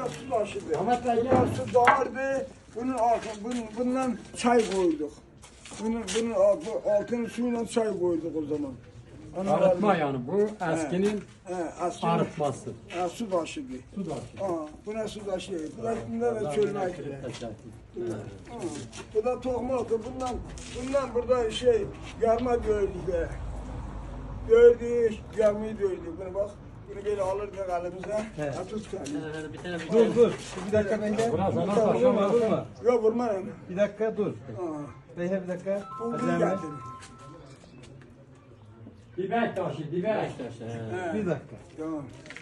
bura su taşıdı. Ahmet Bey, Burada su dağardı. Bundan çay koyduk. Bunun altını suyla çay koyduk o zaman. Arıtma yani bu eskinin Eski arıtması. su taşıdı. Su da. Bu ne su taşıdı? Bunda da çölmek. Bu da tohmak. Bundan burada yarma dövdük de. Dövdük, yarmayı dövdük. Bunu bak. Bunu böyle alırdık elimize. Tut kendini. Dur. Bir dakika ben gel. Biraz ana taşa Vurma. Yok vurmayın. Bir dakika dur. Beyhe bir dakika. Bunu Acele getir. Dibek taşı, dibek. Bir dakika. Tamam.